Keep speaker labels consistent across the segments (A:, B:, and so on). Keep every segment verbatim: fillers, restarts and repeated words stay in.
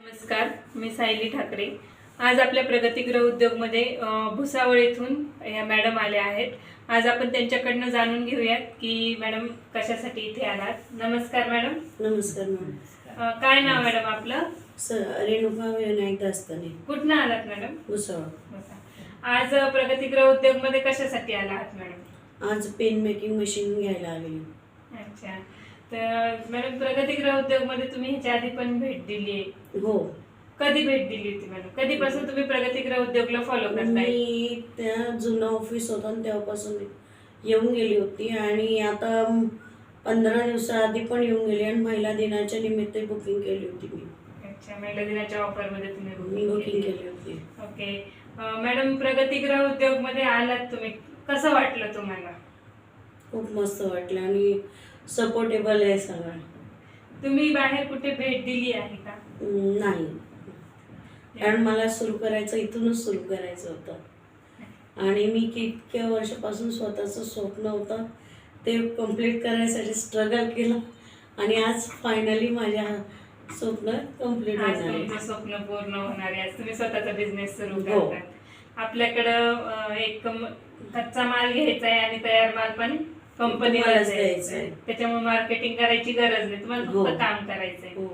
A: नमस्कार, मी सायली ठाकरे. आज आपल्या प्रगतीगृह उद्योगमध्ये भुसावळ येथून या मॅडम आल्या आहेत. आज आपण त्यांच्याकडनं जाणून घेऊयात की मॅडम कशासाठी इथे आलात. नमस्कार मॅडम.
B: नमस्कार मॅडम.
A: काय नाव मॅडम आपलं?
B: सर रेणुका विनायक दास्ताने.
A: कुठनं आलात मॅडम?
B: भुसावळ.
A: आज प्रगतीगृह उद्योगमध्ये कशासाठी आला आहात मॅडम?
B: आज पेन मेकिंग मशीन घ्यायला आलेली.
A: अच्छा, तर मॅडम प्रगतीगृह उद्योगमध्ये तुम्ही ह्याच्या आधी पण भेट दिली आहे?
B: हो.
A: कधी भेट दिली होती मॅडम? कधीपासून तुम्ही प्रगतीगृह उद्योगला फॉलो करताय?
B: मी त्या जुनं ऑफिस होतं आणि तेव्हापासून येऊन गेली होती आणि आता पंधरा दिवसाआधी पण येऊन गेली आणि महिला दिनाच्या निमित्त बुकिंग केली होती मी.
A: अच्छा, महिला दिनाच्या ऑफरमध्ये तुम्ही
B: मी बुकिंग केली होती.
A: ओके मॅडम, प्रगतीगृह उद्योगमध्ये आलात तुम्ही, कसं वाटलं तुम्हाला?
B: खूप मस्त वाटलं आणि सपोर्टेबल आहे सगळं.
A: तुम्ही बाहेर कुठे भेट दिली आहे का?
B: नाही, कारण मला सुरू करायचं इथूनच सुरू करायचं होतं आणि मी कितक्या वर्षापासून स्वतःचं स्वप्न होतं ते कंप्लीट करायसाठी स्ट्रगल केलं आणि आज फायनली माझ्या स्वप्न कंप्लीट
A: आज
B: होणार आहे.
A: तुमचं स्वप्न पूर्ण होणार आहे. आज तुम्ही स्वतःचा बिझनेस सुरू
B: हो.
A: करतात. आपल्याकडं एक कम- कच्चा माल घ्यायचा आहे आणि तयार माल पण कंपनीला
B: तुम्हालाच
A: द्यायचा
B: द्यायचा
A: आहे.
B: आहे.
A: त्याच्यामुळे मार्केटिंग करायची गरज नाही, तुम्हाला
B: हो.
A: फक्त काम करायचंय.
B: हो.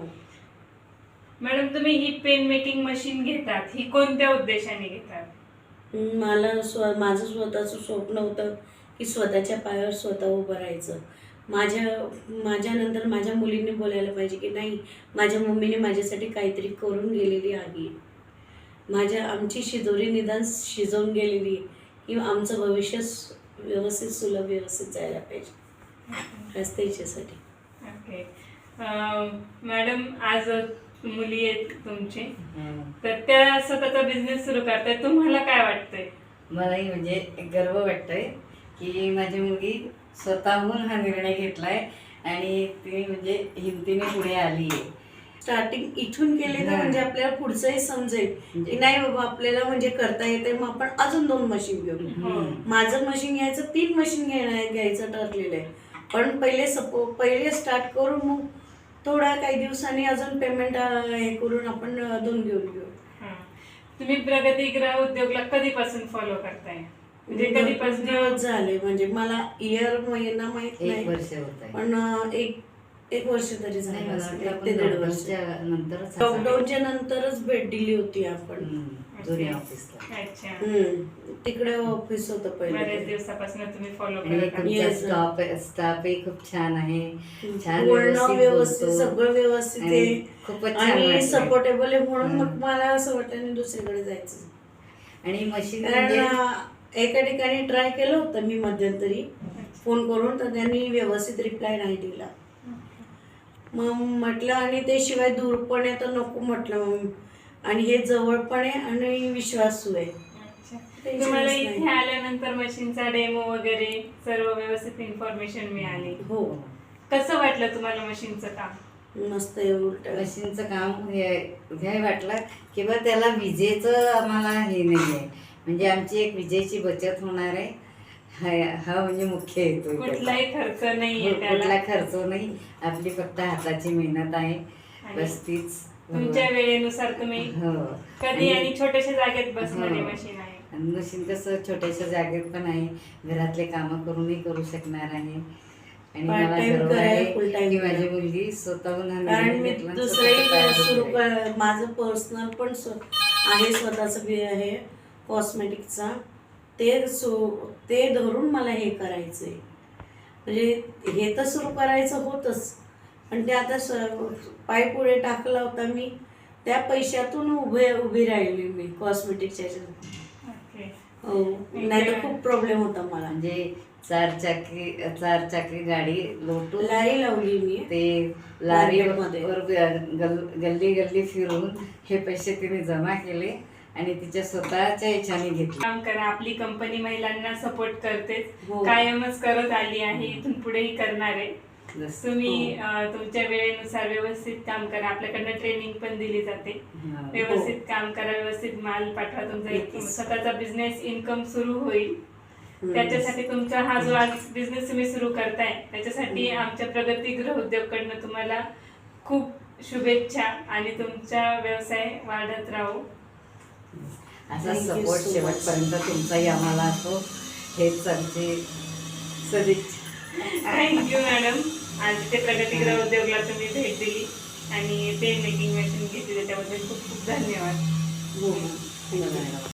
A: मॅडम, तुम्ही ही पेन मेकिंग मशीन घेतात, ही कोणत्या उद्देशाने घेतात?
B: मला स्व माझं स्वतःचं स्वप्न होतं की स्वतःच्या पायावर स्वतः उभं राहायचं. माझ्या माझ्यानंतर माझ्या मुलींनी बोलायला पाहिजे की नाही, माझ्या मम्मीने माझ्यासाठी काहीतरी करून गेलेली आहे. माझ्या आमची शिदोरी निदान शिजवून गेलेली की आमचं भविष्य व्यवस्थित सुलभ व्यवस्थित जायला पाहिजे, बस त्याच्यासाठी.
A: ओके मॅडम, आज मुली आहेत तुमचे, तर त्या स्वतःचा बिझनेस सुरू करतायत, तुम्हाला काय वाटतंय?
C: मलाही म्हणजे एक गर्व वाटतोय की माझी मुलगी स्वतःहून हा निर्णय घेतलाय आणि ती म्हणजे हिमतीने पुढे आली आहे.
B: स्टार्टिंग इथून केले तर म्हणजे आपल्याला पुढचंही समजेल की नाही बाबा आपल्याला म्हणजे करता येते, मग आपण अजून दोन मशीन घेऊ. माझं मशीन घ्यायचं, तीन मशीन घ्यायला घ्यायचं ठरलेलं आहे, पण पहिले सपो पहिले स्टार्ट करून मग थोड्या काही दिवसांनी अजून पेमेंट हे करून आपण दोन घेऊन घेऊ.
A: तुम्ही प्रगतीगृह उद्योगला कधीपासून फॉलो करताय? म्हणजे कधीपासून?
B: दिवस झाले, म्हणजे मला इयर महिना माहित
C: एक
B: नाही,
C: वर्ष होत आहे.
B: पण एक एक वर्ष तरी
C: नाही,
B: झालं
C: मला
B: असेल,
C: वाटतं
B: एक ते
C: आपण
B: दीड वर्ष.
C: लॉकडाऊनच्या नंतरच
B: लॉकडाऊनच्या नंतरच भेट दिली होती आपण.
C: हम्म, जुन्या ऑफिसला.
A: अच्छा,
B: हम्म, तिकडे ऑफिस होतं
A: बऱ्याच
B: पहिले.
A: दिवसापासून तुम्ही फॉलो
C: आणि
A: करत
C: तुमचा
B: Yes.
C: स्टाफ स्टाफही खूप छान आहे, छान
B: बोलणं व्यवस्थित,
C: बोलतो.
B: सगळं व्यवस्थित
C: आणि
B: आहे
C: खूपच छान
B: आणि
C: वाटलं.
B: सपोर्टेबल आहे, म्हणून मग
C: हम्म.
B: मला असं वाटलं आणि दुसरीकडे जायचं.
C: आणि मशीन
B: कारण
C: म्हणजे
B: अं, एका ठिकाणी ट्राय केलं होतं मी मध्यंतरी फोन करून, तर त्यांनी व्यवस्थित रिप्लाय नाही दिला. मग म्हटलं आणि ते शिवाय दूर पण आहे तर नको म्हटलं, मग आणि हे जवळ पण आहे आणि विश्वासू आहे.
A: अच्छा.
B: टेन्शनच
A: तुम्हाला
B: नाही.
A: इथे आल्यानंतर मशीनचा डेमो वगैरे सर्व व्यवस्थित इन्फॉर्मेशन मिळाली.
B: हो,
A: कसं वाटलं तुम्हाला मशीनचं काम?
B: मस्त आहे. उलट
C: मशीनचं काम हे घ्याय वाटलं किंवा त्याला विजेचं आम्हाला हे नाही आहे, म्हणजे आमची एक विजेची बचत होणार आहे. हा हा म्हणजे मुख्य हेतू आहे त्याचा.
A: कुठलाही खर्च नाहीये
C: कुठला
A: त्याला.
C: खर्च नाही, आपली फक्त हाताची मेहनत आहे,
A: आणि
C: बस तीच.
A: तुमच्या वेळेनुसार तुम्ही
C: हो.
A: कधी आणि छोट्याशा जागेत बसणारी
C: हो.
A: मशीन आहे.
C: आणि मशीन कसं छोट्याशा जागेत पण आहे, घरातले कामं करूनही करू शकणार आहे. आणि
B: Part
C: मला
B: time
C: गर्व
B: करायला,
C: आहे
B: full time
C: की माझी
B: करायला.
C: मुलगी स्वतःहून हा
B: कारण
C: निर्णय
B: मी
C: घेतला आणि स्वतःच्या
B: दुसरंही
C: पायावर
B: सुरू
C: उभी आहे.
B: कर माझं पर्सनल पण स्व- आहे, स्वतःचं बी आहे कॉस्मेटिकचा. ते सो ते धरून मला हे करायचं आहे, म्हणजे हे तर सुरू करायचं होतंच, पण ते आता स पाय पुढे टाकला होता मी, त्या पैशातून उभे उभी राहिली मी कॉस्मेटिकच्या ह्याच्यात.
A: ओके.
B: हो, नाही तर खूप प्रॉब्लेम होता मला.
C: म्हणजे चार चाकी चार चाकी गाडी लोटून
B: लारी लावली मी
C: ते लारी
B: मार्केटमध्ये.
C: वर गल- गल्ली गल्ली फिरून हे पैसे तिने जमा केले आणि तिच्या स्वतःच्या ह्याच्याने घेतले.
A: काम करा, आपली कंपनी महिलांना सपोर्ट करतेच,
B: हो.
A: कायमच करत आली आहे, इथून पुढेही करणार आहे.
C: जसं-
A: तुम्ही अं, तुमच्या वेळेनुसार व्यवस्थित काम करा, आपल्याकडनं ट्रेनिंग पण दिली जाते.
C: हा.
A: व्यवस्थित काम करा, व्यवस्थित माल पाठवा, तुमचा एक
B: नक्कीच.
A: स्वतःचा बिझनेस इन्कम सुरू होईल.
B: हम्म.
A: त्याच्यासाठी तुमचा हा जो आज बिझनेस तुम्ही सुरू करताय, त्याच्यासाठी आमच्या प्रगतीगृह उद्योगकडनं तुम्हाला खूप शुभेच्छा आणि तुमचा व्यवसाय वाढत राहू.
C: असा
B: Thank you
C: support
B: so much.
C: शेवटपर्यंत तुमचाही आम्हाला असो, हेच आमचे सदिच्छा.
A: Thank you madam. आज इथे प्रगतीगृह उद्योगला तुम्ही भेट दिली आणि पेन मेकिंग मशीन घेतली त्याच्याबद्दल खूप खूप धन्यवाद.
B: हो, हो. धन्यवाद.